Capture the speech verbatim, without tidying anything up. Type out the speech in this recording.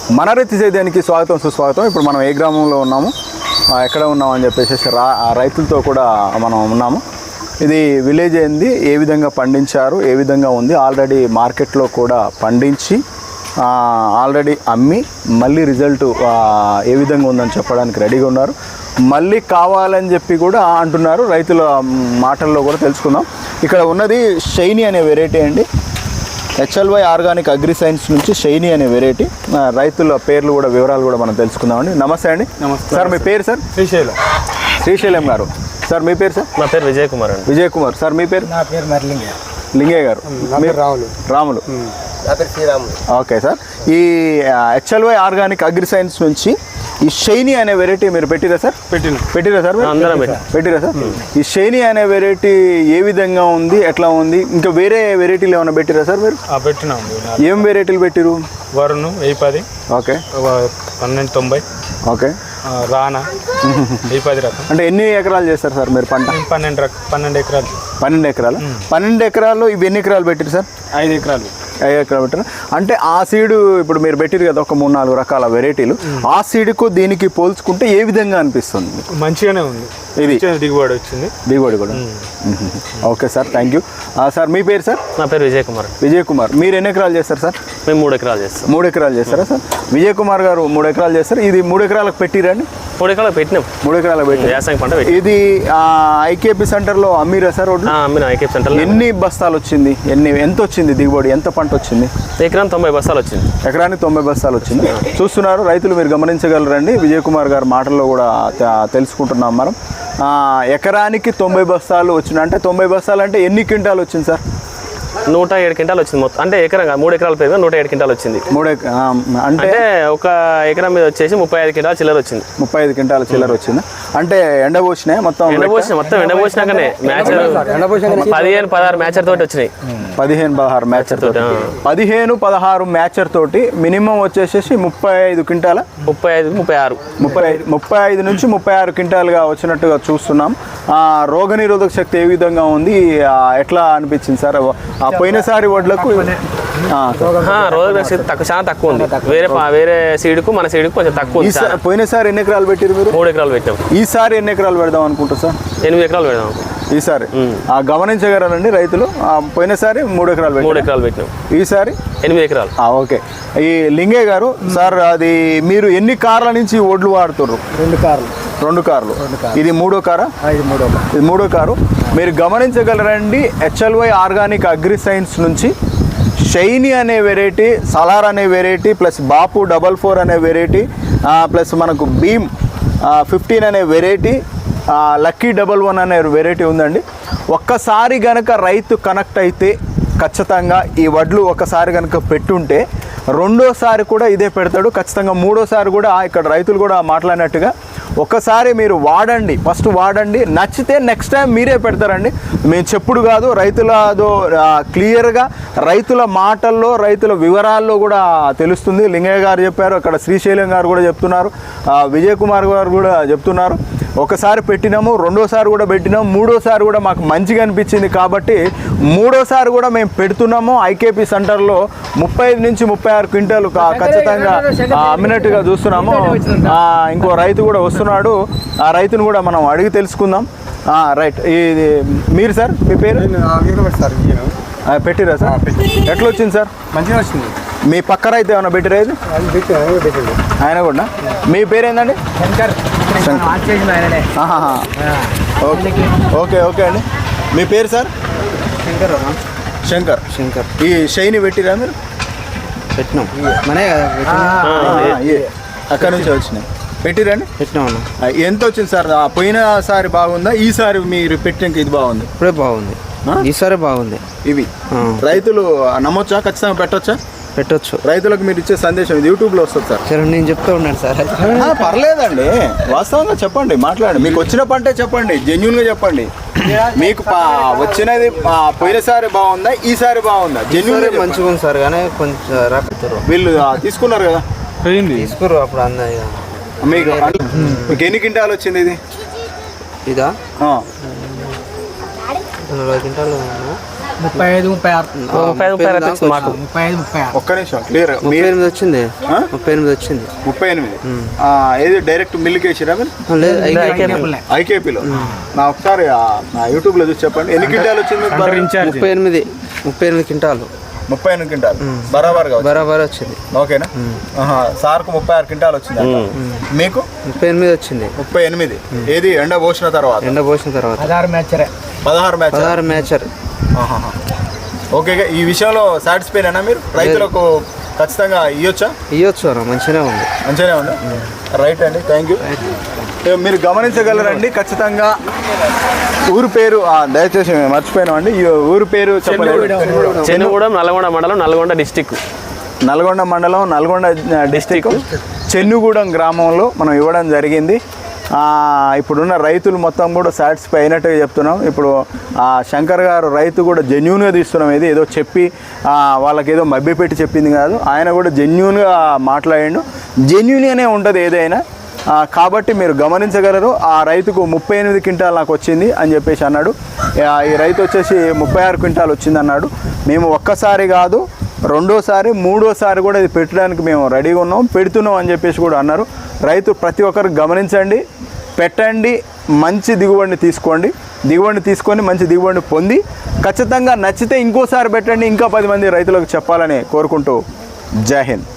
మన రైతు సేద్యానికి స్వాగతం సుస్వాగతం. ఇప్పుడు మనం ఏ గ్రామంలో ఉన్నాము, ఎక్కడ ఉన్నామని చెప్పేసి రా రైతులతో కూడా మనం ఉన్నాము. ఇది విలేజ్ ఏంది, ఏ విధంగా పండించారు, ఏ విధంగా ఉంది, ఆల్రెడీ మార్కెట్లో కూడా పండించి ఆల్రెడీ అమ్మి మళ్ళీ రిజల్ట్ ఏ విధంగా ఉందని చెప్పడానికి రెడీగా ఉన్నారు. మళ్ళీ కావాలని చెప్పి కూడా అంటున్నారు. రైతుల మాటల్లో కూడా తెలుసుకుందాం. ఇక్కడ ఉన్నది షైనీ అనే వెరైటీ అండి. హెచ్ఎల్వై ఆర్గానిక్ అగ్రి సైన్స్ నుంచి షైనీ అనే వెరైటీ. రైతుల పేర్లు కూడా వివరాలు కూడా మనం తెలుసుకుందామండి. నమస్తే అండి. నమస్తే సార్. మీ పేరు సార్? శ్రీశైలం. శ్రీశైలం గారు. సార్ మీ పేరు సార్? నా పేరు విజయ్ కుమార్ అండి. విజయ్ కుమార్. సార్ మీ పేరు? నా పేరు మరి లింగయ్య. లింగయ్య గారు. మీరు రాములు. రాములు. నా పేరు శ్రీరాములు. Okay sir. ఈ హెచ్ఎల్వై ఆర్గానిక్ అగ్రి సైన్స్ నుంచి ఈ షైనీ అనే వెరైటీ మీరు పెట్టిరా సార్? పెట్టిన పెట్టిరా సార్? అందరం పెట్టిరా సార్? ఈ షైనీ అనే వెరైటీ ఏ విధంగా ఉంది, ఎట్లా ఉంది? ఇంకా వేరే వెరైటీలు ఏమైనా పెట్టిరా సార్ మీరు? పెట్టినా. ఏం వెరైటీలు పెట్టిరు? వరుణ్ వెయ్యి పది. ఓకే. పన్నెండు తొంభై. ఓకే. రానా వెయ్యి పది రకం. అంటే ఎన్ని ఎకరాలు చేస్తారు సార్ మీరు పంట? పన్నెండు రకం. పన్నెండు ఎకరాలు. పన్నెండు ఎకరాలు. పన్నెండు ఎకరాలు ఇవి ఎన్ని ఎకరాలు పెట్టిరు సార్? ఐదు ఎకరాలు. ఐదు ఎకరాలు పెట్టారు. అంటే ఆ సీడు ఇప్పుడు మీరు పెట్టిరు కదా ఒక మూడు నాలుగు రకాల వెరైటీలు, ఆ సీడుకు దీనికి పోల్చుకుంటే ఏ విధంగా అనిపిస్తుంది? మంచిగానే ఉంది. ఇది దిగుబడి వచ్చింది. దిగుబడి కూడా. Okay sir, thank you. Sir మీ పేరు సార్? నా పేరు విజయ్ కుమార్. విజయ్ కుమార్. మీరు ఎన్ని ఎకరాలు చేస్తారు సార్? మేము మూడు ఎకరాలు చేస్తాం. మూడు ఎకరాలు చేస్తారా సార్? విజయ్ కుమార్ గారు మూడు ఎకరాలు చేస్తారు. ఇది మూడు ఎకరాలకు పెట్టిరండి? మూడు ఎకరాలకు పెట్టినాం. మూడు ఎకరాలకు పెట్టి వ్యవసాయం పంట. ఇది ఐకేపీ సెంటర్లో అమ్మిరా సార్? అమ్మిన ఐకేపీ సెంటర్. ఎన్ని బస్తాలు వచ్చింది? ఎన్ని ఎంత వచ్చింది దిగుబడి? ఎంత పంట వచ్చింది? ఎకరానికి తొంభై బస్తాలు వచ్చింది. ఎకరానికి తొంభై బస్తాలు వచ్చింది. చూస్తున్నారు రైతులు, మీరు గమనించగలరండి. విజయ్ కుమార్ గారి మాటల్లో కూడా తెలుసుకుంటున్నాం మనం. ఎకరానికి తొంభై బస్తాలు వచ్చింది. అంటే తొంభై బస్తాలు అంటే ఎన్ని క్వింటాలు వచ్చింది సార్? నూట ఏడు క్వింటాలు వచ్చింది మొత్తం. అంటే ఎకరం మూడు ఎకరాల పేరు నూట ఏడు క్వింటాలు వచ్చింది. మూడు అంటే ఒక ఎకరం మీద వచ్చేసి ముప్పై ఐదు క్వింటాలు చిల్లర వచ్చింది. ముప్పై ఐదు క్వింటాల చిల్లర వచ్చింది. అంటే ఎండబోసినాయి మొత్తం? ఎండబోసిన మొత్తం ఎండబోసినాకనే మ్యాచర్ పదిహేను పదహారు మ్యాచర్ తోటి వచ్చినాయి. పదిహేను పదహారు మ్యాచర్ తోటి. పదిహేను పదహారు మ్యాచర్ తోటి మినిమం వచ్చేసేసి ముప్పై ఐదు క్వింటాల ముప్పై ఐదు ముప్పై ఆరు ముప్పై ఐదు ముప్పై ఐదు నుంచి ముప్పై ఆరు క్వింటాలుగా వచ్చినట్టుగా చూస్తున్నాం. రోగనిరోధక శక్తి ఏ విధంగా ఉంది, ఎట్లా అనిపించింది సార్? ఆ పోయినసారి వడ్లకు రోగనిరోధక శక్తి తక్కువ, చాలా తక్కువ ఉంది. వేరే వేరే సీడుకు మన సీడుకు కొంచెం తక్కువ. పోయినసారి ఎన్ని ఎకరాలు పెట్టారు మీరు? మూడు ఎకరాలు పెట్టాం. ఈసారి ఎన్ని ఎకరాలు పెడదాం అనుకుంటారు సార్? ఎనిమిది ఎకరాలు పెడదాం ఈసారి. గమనించగలరండి రైతులు, పోయినసారి మూడు ఎకరాలు మూడు ఎకరాలు పెట్టినాం, ఈసారి ఎనిమిది ఎకరాలు. ఓకే. ఈ లింగయ్య గారు సార్, అది మీరు ఎన్ని కార్ల నుంచి ఒడ్లు వాడుతున్నారు? రెండు కార్లు. రెండు కార్లు. ఇది మూడో కారా? ఇది మూడో ఇది మూడో కారు. మీరు గమనించగలరండి, హెచ్ఎల్వై ఆర్గానిక్ అగ్రి సైన్స్ నుంచి షైనీ అనే వెరైటీ, సలార్ అనే variety, plus Bapu double four అనే వెరైటీ, ప్లస్ మనకు భీమ్ ఫిఫ్టీన్ అనే వెరైటీ, లక్కీ డబల్ వన్ అనే వెరైటీ ఉందండి. ఒక్కసారి గనక రైతు కనెక్ట్ అయితే ఖచ్చితంగా ఈ వడ్లు ఒకసారి కనుక పెట్టుంటే రెండోసారి కూడా ఇదే పెడతాడు ఖచ్చితంగా. మూడోసారి కూడా ఇక్కడ రైతులు కూడా మాట్లాడినట్టుగా ఒక్కసారి మీరు వాడండి, ఫస్ట్ వాడండి, నచ్చితే నెక్స్ట్ టైం మీరే పెడతారండి. మేము చెప్పుడు కాదు, రైతులదో క్లియర్గా రైతుల మాటల్లో రైతుల వివరాల్లో కూడా తెలుస్తుంది. లింగయ్య గారు చెప్పారు, అక్కడ శ్రీశైలం గారు కూడా చెప్తున్నారు, విజయ్ కుమార్ గారు కూడా చెప్తున్నారు. ఒకసారి పెట్టినాము, రెండోసారి కూడా పెట్టినాము, మూడోసారి కూడా మాకు మంచిగా అనిపించింది కాబట్టి మూడోసారి కూడా మేము పెడుతున్నాము. ఐకేపీ సెంటర్లో ముప్పై ఐదు నుంచి ముప్పై ఆరు క్వింటాలు ఖచ్చితంగా అమ్మినట్టుగా చూస్తున్నాము. ఇంకో రైతు కూడా వస్తున్నాడు, ఆ రైతును కూడా మనం అడిగి తెలుసుకుందాం. రైట్. ఇది మీరు సార్, మీ పేరు? పెట్టిరా సార్? ఎట్లా వచ్చింది సార్? మంచిగా వచ్చింది. మీ పక్క రైతు ఏమైనా పెట్టిరా? ఇది ఆయన కూడా. మీ పేరు ఏంటండి? ఓకే ఓకే అండి. మీ పేరు సార్? శంకర్. శంకర్. శంకర్. ఈ షైనీ పెట్టిరా మీరు? పెట్టినాం. మనే అక్కడ నుంచి వచ్చినాయి పెట్టిరండి? పెట్టినాం. ఎంత వచ్చింది సార్? పోయినసారి బాగుందా, ఈసారి మీరు పెట్టినాక ఇది బాగుంది? ఇప్పుడే బాగుంది, ఈసారి బాగుంది. ఇవి రైతులు నమ్మొచ్చా? ఖచ్చితంగా పెట్టొచ్చా? పెట్టొచ్చు. రైతులకు మీరు ఇచ్చే సందేశం ఇది యూట్యూబ్లో వస్తుంది సార్. సరే, నేను చెప్తా ఉన్నాను సార్. పర్లేదండి, వాస్తవంగా చెప్పండి, మాట్లాడండి. మీకు వచ్చిన పంటే చెప్పండి, జెన్యున్గా చెప్పండి. మీకు వచ్చినది పోయినసారి బాగుందా, ఈసారి బాగుందా? జెన్యున్ మంచిగా ఉంది సార్, కానీ కొంచెం రాకపోతారు. వీళ్ళు తీసుకున్నారు కదా, తీసుకురు అప్పుడు అన్నది. మీకు మీకు ఎన్ని క్వింటాలు వచ్చింది ఇది? ఇదా నలభై క్వింటాలు. ముప్పై ఐదు ముప్పై ఆరు ముప్పై ఐదు ముప్పై ఆరు వచ్చింది మాకు. ముప్పై ఐదు ముప్పై ఆరు ఒక్క నిమిషం క్లియర్ ముప్పై ఎనిమిది వచ్చింది ముప్పై ఎనిమిది వచ్చింది ముప్పై ఎనిమిది ఆ, ఏది డైరెక్ట్ మిల్క్ వేసిరా మీరు లేదు ఐకేపీలో నా ఒకసారి ఆ, నా యూట్యూబ్లో చూసి చెప్పండి ఎన్ని క్వింటాలు వచ్చింది ముప్పై ఎనిమిది ముప్పై ఎనిమిది క్వింటాలు ముప్పై ఎనిమిది క్వింటాలు బరాబర్గా వచ్చింది. బరాబర్ వచ్చింది. ఓకేనా ఆహా, సార్కు ముప్పై ఆరు క్వింటాలు వచ్చింది అంట. మీకు ముప్పై ఎనిమిది వచ్చింది. ముప్పై ఎనిమిది ఏది ఎండ పోసిన తర్వాత ఎండ పోసిన తర్వాత పదహారు మ్యాచరే పదహారు మ్యాచ్ పదహారు మ్యాచర్. ఓకే ఈ విషయంలో సాటిస్ఫైనా మీరు రైతులకు ఖచ్చితంగా ఇవ్వచ్చా ఇవ్వచ్చు అన్న మంచిగానే ఉంది. మంచిగానే ఉంది రైట్ అండి థ్యాంక్ యూ. మీరు గమనించగలరండి ఖచ్చితంగా ఊరు పేరు ఆ, దయచేసి మేము మర్చిపోయినాం అండి ఈ ఊరు పేరు చెప్పలేదు. చెన్నుగూడెం నల్గొండ మండలం నల్గొండ డిస్టిక్ నల్గొండ మండలం నల్గొండ డిస్టిక్ చెన్నుగూడెం గ్రామంలో మనం ఇవ్వడం జరిగింది. ఆ, ఇప్పుడున్న రైతులు మొత్తం కూడా సాటిస్ఫై అయినట్టుగా చెప్తున్నాం. ఇప్పుడు ఆ, శంకర్ గారు రైతు కూడా జెన్యూన్గా తీస్తున్నాం. ఇది ఏదో చెప్పి ఆ, వాళ్ళకి ఏదో మభ్యపెట్టి చెప్పింది కాదు, ఆయన కూడా జెన్యూన్గా మాట్లాడిండు. జెన్యూన్గానే ఉంటుంది ఏదైనా. ఆ, కాబట్టి మీరు గమనించగలరు ఆ రైతుకు ముప్పై ఎనిమిది క్వింటాల్ నాకు వచ్చింది అని చెప్పేసి అన్నాడు. ఆ, ఈ రైతు వచ్చేసి ముప్పై ఆరు క్వింటాల్ వచ్చింది అన్నాడు. మేము ఒక్కసారి కాదు రెండోసారి మూడోసారి కూడా ఇది పెట్టడానికి మేము రెడీగా ఉన్నాం, పెడుతున్నాం అని చెప్పేసి కూడా అన్నారు. రైతు ప్రతి ఒక్కరు గమనించండి, పెట్టండి, మంచి దిగుబడిని తీసుకోండి. దిగుబడిని తీసుకొని మంచి దిగుబడిని పొంది ఖచ్చితంగా నచ్చితే ఇంకోసారి పెట్టండి, ఇంకా పది మంది రైతులకు చెప్పాలని కోరుకుంటూ జై హింద్.